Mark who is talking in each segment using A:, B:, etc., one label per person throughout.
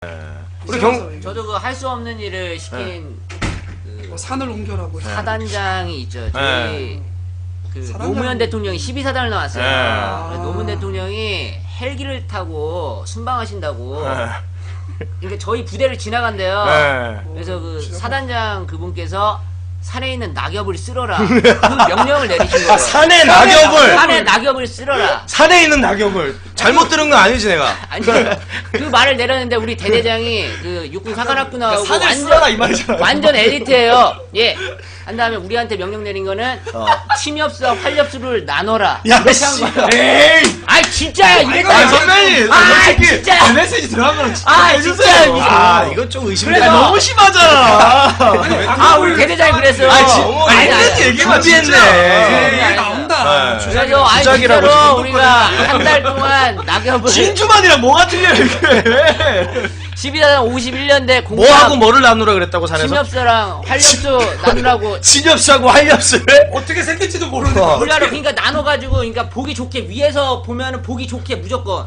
A: 우리
B: 저도 그 할 수 없는 일을 시킨 그
C: 산을 옮겨라고.
B: 사단장이 있죠. 저희 그 노무현 대통령이 12사단을 나왔어요. 그래서 노무현 대통령이 헬기를 타고 순방하신다고. 그러니까 저희 부대를 지나간대요. 그래서 그 사단장 그분께서 산에 있는 낙엽을 쓸어라. 그 명령을 내리신 거예요.
A: 산에 낙엽을!
B: 산에 낙엽을 쓸어라.
A: 산에 있는 낙엽을! 잘못 들은 거 아니지, 내가?
B: 아니, 그 말을 내렸는데 우리 대대장이 그 육군 사관학교 나오고
D: 산을 쓸어라 이 말이잖아.
B: 완전 엘리트예요. 예. 한 다음에 우리한테 명령 내린 거는 침엽수와 활엽수를 나눠라.
A: 야,
B: 이렇게
A: 씨.
B: 한 거예요.
A: 에이!
B: 아이 진짜야 이랬다.
A: 아, 선배님! 솔직히.
B: 진짜.
D: 메시지 들어간 거랑 진짜
B: 아
D: 해주세요.
B: 진짜.
A: 아, 이건 좀 의심돼.
D: 너무 심하잖아.
B: 아 우리 대대장이 그랬어.
A: 아니, 얘기만 준비했네.
C: 얘기 나온다.
B: 그래서 아니
A: 주작이라고
B: 진짜로
A: 지금
B: 우리가 한 달 동안 낙엽을
D: 진주만이랑 뭐가 틀려 이게.
B: 12단 51년대 공감
A: 뭐하고 뭐를 나누라 그랬다고, 산에서?
B: 침엽수랑 활엽수 나누라고
A: 진엽수하고 활엽수를?
C: 어떻게 생길지도 모르는데.
B: 몰라로 그러니까 나눠가지고 그러니까 보기 좋게 위에서 보면은 보기 좋게 무조건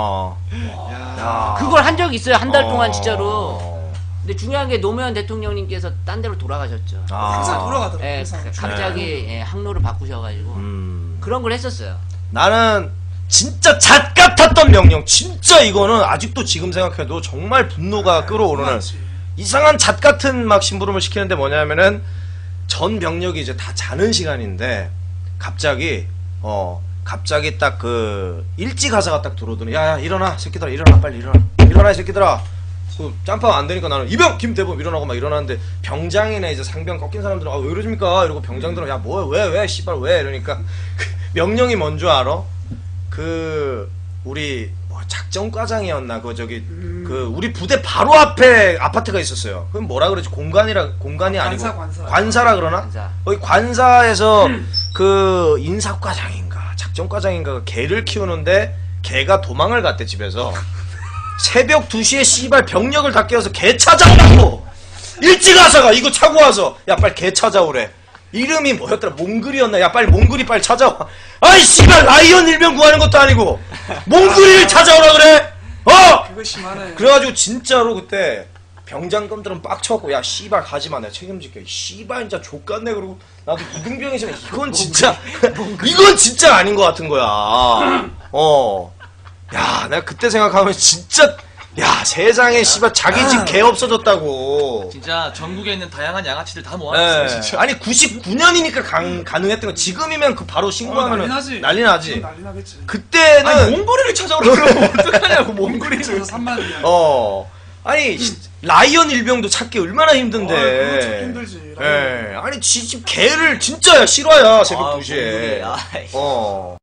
A: 야.
B: 그걸 한 적이 있어요 한 달 동안 진짜로. 근데 중요한 게 노무현 대통령님께서 딴 데로 돌아가셨죠.
C: 항상 돌아가더라고.
B: 예,
C: 항상.
B: 갑자기 예, 항로를 바꾸셔가지고 그런 걸 했었어요.
A: 나는 진짜 잣 같았던 명령. 진짜 이거는 아직도 지금 생각해도 정말 분노가 끌어오르는
C: 맞지.
A: 이상한 잣 같은 막 심부름을 시키는데 뭐냐면은 전 병력이 이제 다 자는 시간인데 갑자기 딱 그 일찍 가사가 딱 들어오더니 야 일어나 새끼들아 일어나 빨리 일어나 이 새끼들아. 그 짬밥 안 되니까 나는 이병 김대범 일어나고 막 일어나는데 병장이나 이제 상병 꺾인 사람들은 아 왜 이러십니까 이러고 병장들은 야 뭐 왜 씨발 왜 이러니까 명령이 뭔 줄 알아? 그 우리 뭐 작전과장이었나 그 저기 그 우리 부대 바로 앞에 아파트가 있었어요. 그럼 뭐라 그러지? 공간이 아니고 관사라 그러나?
B: 관사.
A: 거기 관사에서 그 인사과장인가 작전과장인가 개를 키우는데 개가 도망을 갔대 집에서. 새벽 2시에 씨발 병력을 다 깨워서 개 찾아오라고! 일찍 와서가 이거 차고 와서 야 빨리 개 찾아오래. 이름이 뭐였더라? 몽글이었나? 야 빨리 몽글이 빨리 찾아와. 아이 씨발 라이언 일병 구하는 것도 아니고 몽글이를 찾아오라 그래?
C: 그거 심하네.
A: 그래가지고 진짜로 그때 병장검들은 빡쳐갖고 야 씨발 가지마 내가 책임질게. 씨발 진짜 족같네. 그러고 나도 이등병이지만 이건 진짜 이건 진짜 아닌 것 같은 거야. 야, 내가 그때 생각하면 진짜 야 세상에 씨발 자기 집 개 없어졌다고.
D: 진짜 전국에 있는 다양한 양아치들 다 모았어요. 진짜.
A: 아니 99년이니까 가능했던 거. 지금이면 그 바로 신고하면 난리 나지.
C: 난리 나겠지.
A: 그때는
D: 아니 몽골이를 찾아오라 그러면 어떡하냐고 몽골이를.
C: 그래서 3만이야.
A: 아니 라이언 일병도 찾기 얼마나 힘든데.
C: 그거 찾기 힘들지.
A: 아니 지집 개를 진짜야 실화야 새벽 2시에.
D: 몽골이.